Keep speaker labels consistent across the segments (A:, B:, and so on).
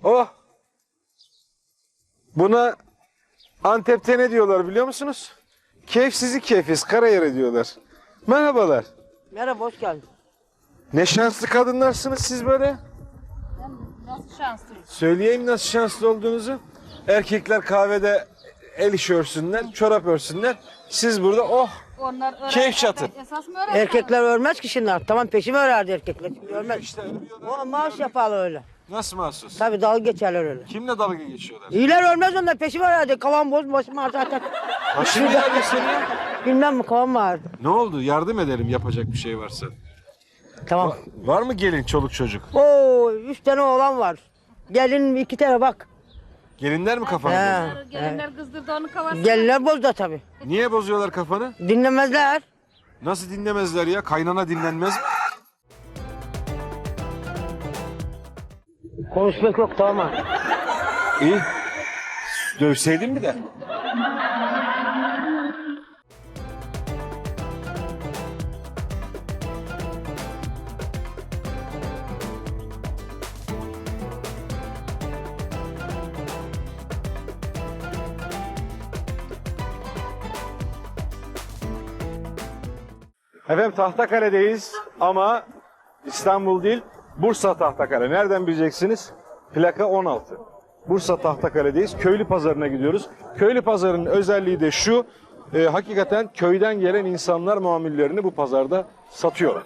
A: Oh! Buna Antep'te ne diyorlar biliyor musunuz? Keyifsizi keyfiz, karayere diyorlar. Merhabalar.
B: Merhaba, hoş geldin.
A: Ne şanslı kadınlarsınız siz böyle.
C: Nasıl şanslıyız?
A: Söyleyeyim nasıl şanslı olduğunuzu. Erkekler kahvede el işi örsünler, çorap örsünler. Siz burada oh
C: Onlar
A: keyif çatın.
C: Esas mı öğretmen?
B: Erkekler ölmez ki şimdi. Tamam, peşime örerdi erkekler. Şimdi ölmez.
A: işte ölüyorlar.
B: O maaş yaparlar öyle.
A: Nasıl mahsus?
B: Tabii dalga geçerler öyle.
A: Kimle dalga geçiyorlar?
B: İyiler ölmez onlar, peşime örerdi. Kavan boz, başım ağrı zaten.
A: Başını nerede senin?
B: Bilmem mi, kavan vardı.
A: Ne oldu? Yardım edelim yapacak bir şey varsa.
B: Tamam.
A: Var mı gelin çoluk çocuk?
B: Oo, 3 tane oğlan var. Gelin 2 tane bak.
A: Gelinler mi kafanı
B: He.
A: bozuyor?
C: Gelinler kızdırdı onu kavasına.
B: Gelinler bozdu tabii.
A: Niye bozuyorlar kafanı?
B: Dinlemezler.
A: Nasıl dinlemezler ya? Kaynana dinlenmez mi?
B: Konuşmak yok, tamam.
A: İyi. Dövseydin mi de? Efendim Tahtakale'deyiz ama İstanbul değil, Bursa Tahtakale. Nereden bileceksiniz? Plaka 16. Bursa Tahtakale'deyiz. Köylü pazarına gidiyoruz. Köylü pazarının özelliği de şu, hakikaten köyden gelen insanlar mamullerini bu pazarda satıyorlar.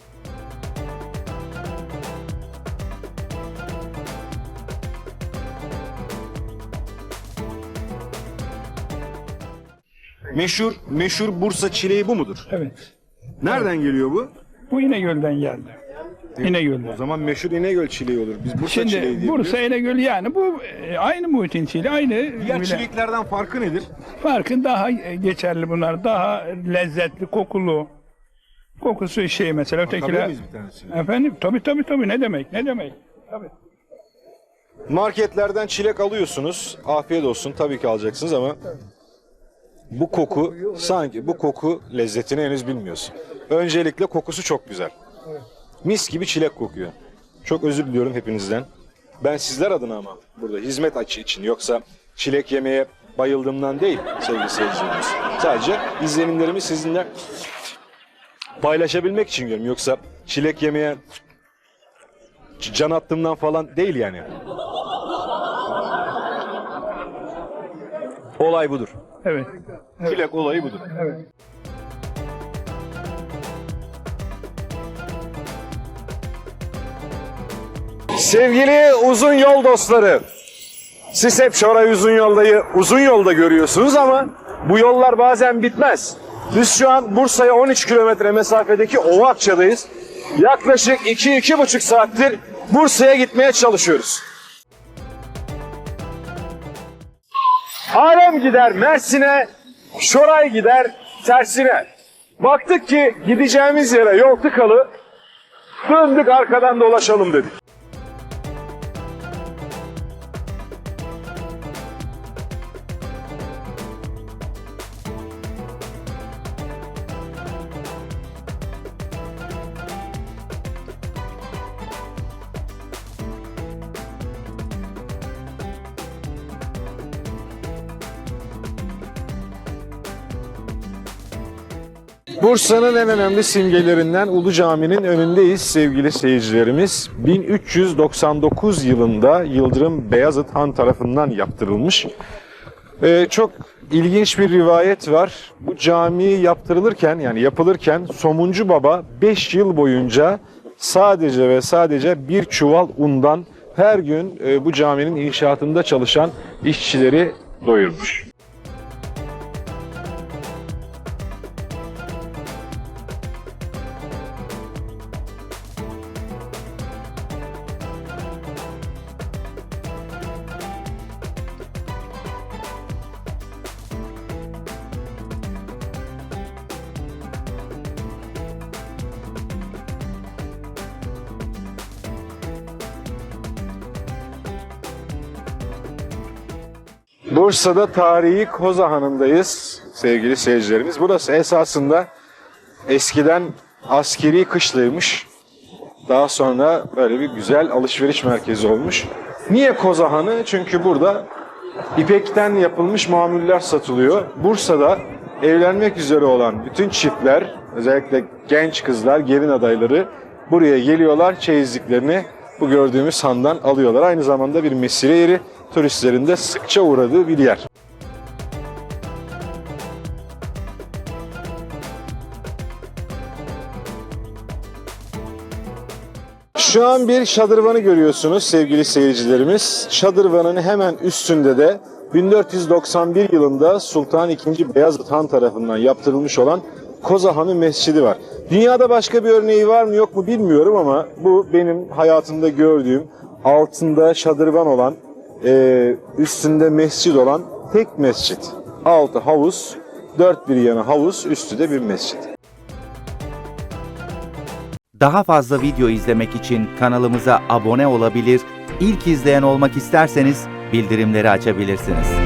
A: Meşhur Bursa çileği bu mudur?
D: Evet.
A: Nereden geliyor bu?
D: Bu İnegöl'den geldi. İnegöl'den.
A: O zaman meşhur İnegöl çileği olur. Biz Bursa çileği
D: Şimdi
A: diye
D: Bursa
A: biliyoruz.
D: İnegöl yani bu aynı muhitin çileği, aynı
A: Diğer
D: bile.
A: çileklerden farkı nedir?
D: Farkın daha geçerli bunlar. Daha lezzetli, kokulu. Kokusu şey mesela
A: Bakabilir
D: ötekiler.
A: miyiz bir tanesine?
D: Efendim tabii ne demek tabii.
A: Marketlerden çilek alıyorsunuz. Afiyet olsun tabii ki alacaksınız ama bu koku sanki bu koku lezzetini henüz bilmiyorsun. Öncelikle kokusu çok güzel. Mis gibi çilek kokuyor. Çok özür diliyorum hepinizden. Ben sizler adına ama burada hizmet açı için yoksa çilek yemeye bayıldığımdan değil sevgili seyircilerimiz. Sadece izlenimlerimi sizinle paylaşabilmek için diyorum. Yoksa çilek yemeye can attığımdan falan değil yani. Olay budur.
D: Evet.
A: Çilek olayı budur.
D: Evet.
A: Sevgili uzun yol dostları, siz hep Şoray uzun yolda görüyorsunuz ama bu yollar bazen bitmez. Biz şu an Bursa'ya 13 kilometre mesafedeki Ovakça'dayız. Yaklaşık 2-2,5 saattir Bursa'ya gitmeye çalışıyoruz. Alem gider Mersin'e, Şoray gider tersine. Baktık ki gideceğimiz yere yol tıkalı, döndük arkadan dolaşalım dedik. Bursa'nın en önemli simgelerinden Ulu Cami'nin önündeyiz sevgili seyircilerimiz. 1399 yılında Yıldırım Beyazıt Han tarafından yaptırılmış. Çok ilginç bir rivayet var. Bu cami yaptırılırken yani yapılırken Somuncu Baba 5 yıl boyunca sadece ve sadece bir çuval undan her gün bu caminin inşaatında çalışan işçileri doyurmuş. Bursa'da tarihi Koza Hanı'ndayız sevgili seyircilerimiz. Burası esasında eskiden askeri kışlaymış. Daha sonra böyle bir güzel alışveriş merkezi olmuş. Niye Kozahanı? Çünkü burada İpekten yapılmış mamuller satılıyor. Bursa'da evlenmek üzere olan bütün çiftler, özellikle genç kızlar, gelin adayları buraya geliyorlar. Çeyizliklerini bu gördüğümüz handan alıyorlar. Aynı zamanda bir mesire yeri, turistlerin de sıkça uğradığı bir yer. Şu an bir şadırvanı görüyorsunuz sevgili seyircilerimiz. Şadırvanın hemen üstünde de 1491 yılında Sultan II. Beyazıt Han tarafından yaptırılmış olan Kozahanı Mescidi var. Dünyada başka bir örneği var mı yok mu bilmiyorum ama bu benim hayatımda gördüğüm altında şadırvan olan, üstünde mescid olan tek mescit. Altı havuz, dört bir yanı havuz, üstü de bir mescid.
E: Daha fazla video izlemek için kanalımıza abone olabilir, ilk izleyen olmak isterseniz bildirimleri açabilirsiniz.